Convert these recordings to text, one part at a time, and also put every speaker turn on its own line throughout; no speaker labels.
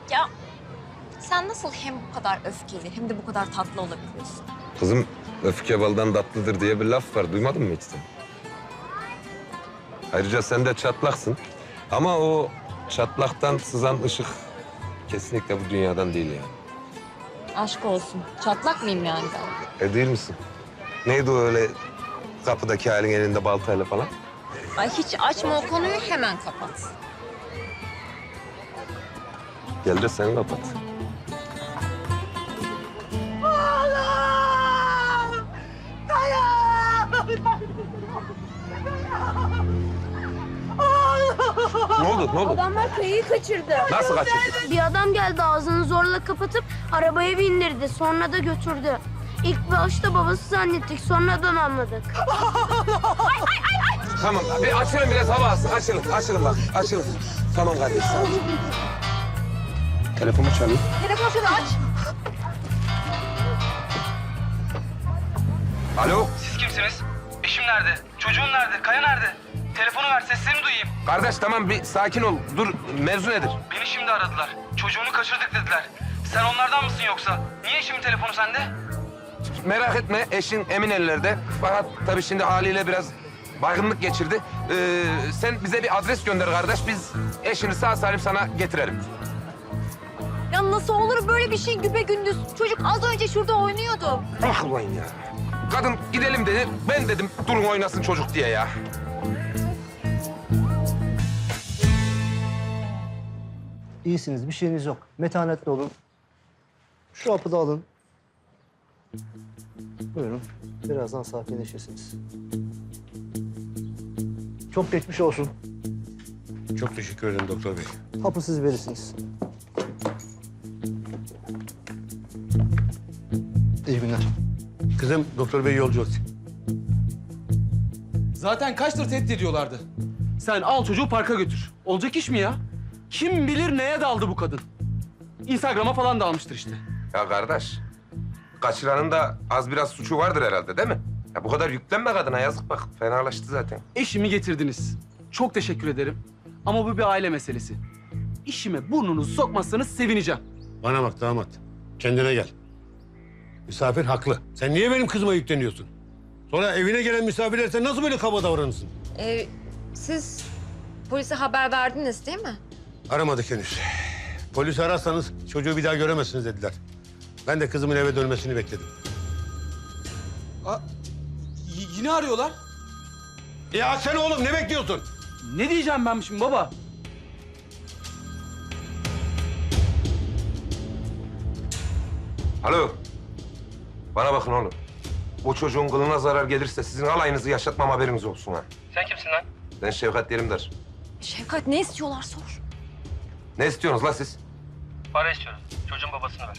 Ya sen nasıl hem bu kadar öfkeli hem de bu kadar tatlı olabiliyorsun?
Kızım öfke baldan tatlıdır diye bir laf var. Duymadın mı hiç sen? Ayrıca sen de çatlaksın. Ama o çatlaktan sızan ışık kesinlikle bu dünyadan değil yani.
Aşk olsun. Çatlak mıyım yani ben?
Değil misin? Neydi o öyle kapıdaki halin elinde baltayla falan?
Ay hiç açma o konuyu, hemen kapat.
Gel de sen kapat. Ne oldu? Ne oldu?
Adamlar kayayı kaçırdı.
Nasıl kaçırdın?
Bir adam geldi ağzını zorla kapatıp arabaya bindirdi. Sonra da götürdü. İlk başta babası zannettik. Sonradan anladık.
Tamam. Bir açılın biraz hava alsın. Açılın. Açılın bak. Açılın. Tamam kardeşim. Tamam. Telefonu çalayım.
Telefonu şunu aç.
Alo.
Siz kimsiniz? Eşim nerede? Çocuğum nerede? Kaya nerede? Telefonu ver, seslerini duyayım.
Kardeş tamam bir sakin ol. Dur mevzu nedir?
Beni şimdi aradılar. Çocuğunu kaçırdık dediler. Sen onlardan mısın yoksa? Niye eşimin telefonu sende?
Merak etme eşin emin ellerde. Fakat tabii şimdi haliyle biraz baygınlık geçirdi. Sen bize bir adres gönder kardeş. Biz eşini sağ salim sana getirelim.
Ya nasıl olur böyle bir şey güpegündüz? Çocuk az önce şurada oynuyordu.
Ah ulan ya. Kadın gidelim dedi. Ben dedim durun oynasın çocuk diye ya.
İyisiniz, bir şeyiniz yok. Metanetli olun. Şu hapı da alın. Buyurun. Birazdan sakinleşirsiniz. Çok geçmiş olsun.
Çok teşekkür ederim doktor bey.
Hapı siz verirsiniz. İyi günler.
Kızım doktor bey yolcu olsun.
Zaten kaçtır tehdit ediyorlardı. Sen al çocuğu parka götür. Olacak iş mi ya? Kim bilir neye daldı bu kadın? Instagram'a falan dalmıştır işte.
Ya kardeş, kaçıranın da az biraz suçu vardır herhalde değil mi? Ya bu kadar yüklenme kadına yazık bak fenalaştı zaten.
Eşimi getirdiniz. Çok teşekkür ederim. Ama bu bir aile meselesi. İşime burnunuzu sokmazsanız sevineceğim.
Bana bak damat. Kendine gel. Misafir haklı. Sen niye benim kızıma yükleniyorsun? Sonra evine gelen misafirler sen nasıl böyle kaba davranırsın?
Siz polise haber verdiniz değil mi?
Aramadık henüz. Polisi ararsanız çocuğu bir daha göremezsiniz dediler. Ben de kızımın eve dönmesini bekledim.
Yine arıyorlar.
Ya sen oğlum ne bekliyorsun?
Ne diyeceğim ben şimdi baba?
Alo, bana bakın oğlum. Bu çocuğun kılına zarar gelirse sizin alayınızı yaşatmam haberiniz olsun ha.
Sen kimsin lan?
Ben Şevkat Yerimdar.
Şevkat ne istiyorlar sor.
Ne istiyorsunuz la siz?
Para istiyoruz. Çocuğun babasını ver.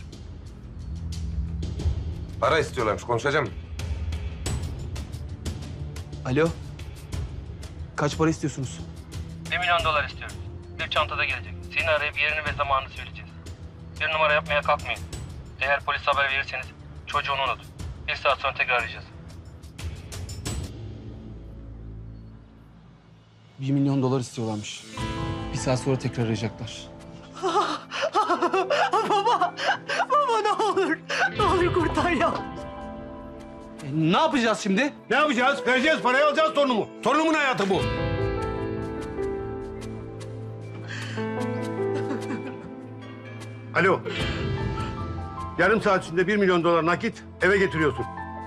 Para istiyorlarmış, konuşacağım.
Alo. Kaç para istiyorsunuz?
$1 milyon istiyoruz. Bir çantada gelecek. Seni arayıp yerini ve zamanını söyleyeceğiz. Bir numara yapmaya kalkmayın. Eğer polis haber verirseniz çocuğunu unut. 1 saat sonra tekrar arayacağız.
$1 milyon istiyorlarmış. 1 saat sonra tekrar arayacaklar.
Baba ne olur. Ne olur kurtar ya.
Ne yapacağız şimdi?
Ne yapacağız? Vereceğiz parayı alacağız torunumu. Torunumun hayatı bu. Alo. Yarım saat içinde $1 milyon nakit eve getiriyorsun.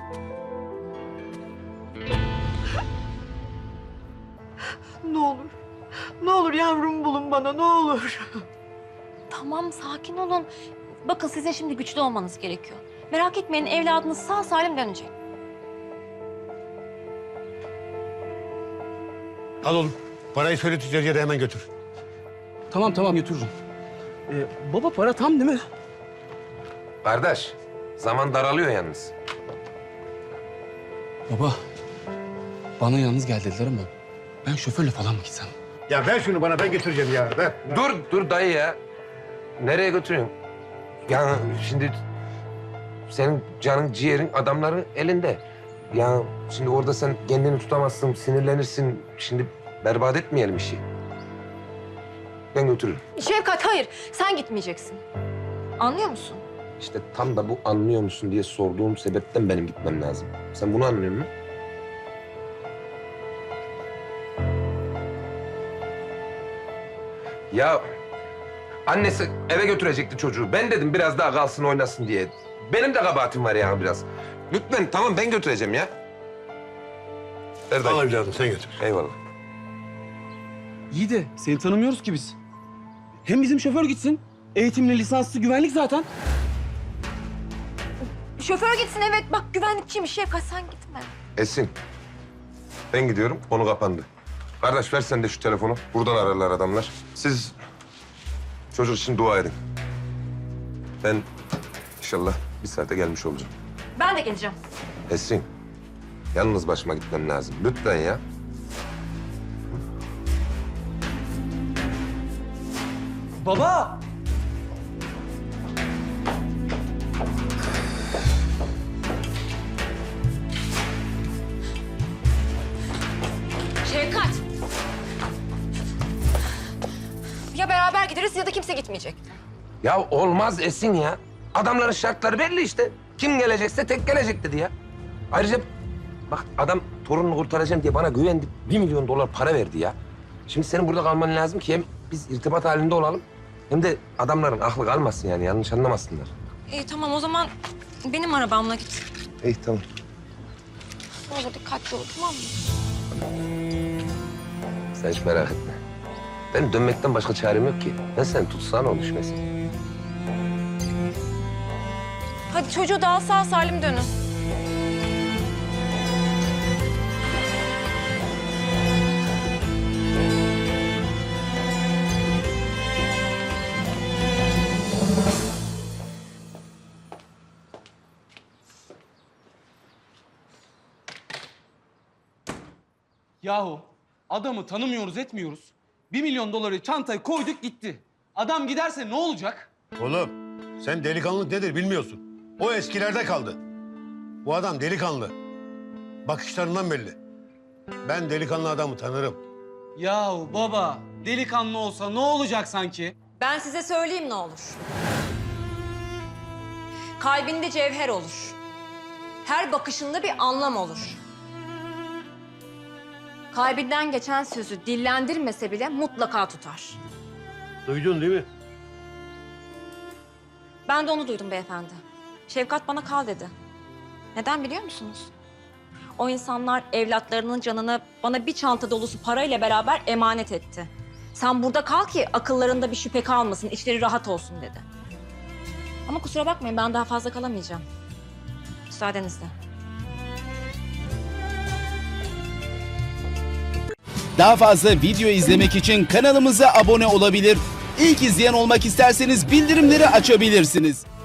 Ne olur. Ne olur yavrum bulun bana ne olur.
Tamam sakin olun. Bakın sizin şimdi güçlü olmanız gerekiyor. Merak etmeyin evladınız sağ salim dönecek.
Al oğlum. Parayı söyle tüccarıya da hemen götür.
Tamam götürürüm. Baba para tam değil mi?
Kardeş, zaman daralıyor yalnız.
Baba, bana yalnız gel dediler ama ben şoförle falan mı gitsem?
Ya ver şunu bana ben getireceğim ya. Ver.
Dur dayı ya. Nereye götürüyorsun? Yani şimdi senin canın, ciğerin adamların elinde. Ya şimdi orada sen kendini tutamazsın, sinirlenirsin. Şimdi berbat etmeyelim işi. Ben götürürüm.
Şefkat hayır, sen gitmeyeceksin. Anlıyor musun?
İşte tam da bu anlıyor musun diye sorduğum sebepten benim gitmem lazım. Sen bunu anlıyor musun? Ya annesi eve götürecekti çocuğu. Ben dedim biraz daha kalsın oynasın diye. Benim de kabahatim var yani biraz. Lütfen tamam ben götüreceğim ya. Ver dayı.
Al evladım sen götür.
Eyvallah.
İyi de seni tanımıyoruz ki biz. Hem bizim şoför gitsin. Eğitimli, lisanslı güvenlik zaten.
Şoför gitsin evet, bak güvenlikçiymiş Şefkat, sen gitme.
Esin. Ben gidiyorum, konu kapandı. Kardeş ver sen de şu telefonu. Buradan ararlar adamlar. Siz çocuk için dua edin. Ben inşallah bir saate gelmiş olacağım.
Ben de geleceğim.
Esin, yalnız başıma gitmem lazım. Lütfen ya.
Baba!
Şefkat! Ya beraber gideriz ya da kimse gitmeyecek.
Ya olmaz Esin ya. Adamların şartları belli işte. Kim gelecekse tek gelecek dedi ya. Ayrıca bak adam torununu kurtaracağım diye bana güvendi. 1 milyon dolar para verdi ya. Şimdi senin burada kalman lazım ki hem biz irtibat halinde olalım. Hem de adamların aklı kalmasın yani yanlış anlamasınlar.
İyi tamam o zaman benim arabamla git.
İyi tamam.
Ne olur dikkatli ol tamam mı?
Sen hiç merak etme. Benim dönmekten başka çarem yok ki. Ben seni tutsam o düşmesin.
Hadi çocuğu daha sağ salim dönün.
Yahu adamı tanımıyoruz etmiyoruz. 1 milyon doları çantaya koyduk gitti. Adam giderse ne olacak?
Oğlum sen delikanlılık nedir bilmiyorsun. O eskilerde kaldı. Bu adam delikanlı. Bakışlarından belli. Ben delikanlı adamı tanırım.
Yahu baba delikanlı olsa ne olacak sanki?
Ben size söyleyeyim ne olur. Kalbinde cevher olur. Her bakışında bir anlam olur. Kalbinden geçen sözü dillendirmese bile mutlaka tutar.
Duydun değil mi?
Ben de onu duydum beyefendi. Şefkat bana kal dedi. Neden biliyor musunuz? O insanlar evlatlarının canını bana bir çanta dolusu parayla beraber emanet etti. Sen burada kal ki akıllarında bir şüphe kalmasın, içleri rahat olsun dedi. Ama kusura bakmayın ben daha fazla kalamayacağım. Müsaadenizle.
Daha fazla video izlemek için kanalımıza abone olabilir. İlk izleyen olmak isterseniz bildirimleri açabilirsiniz.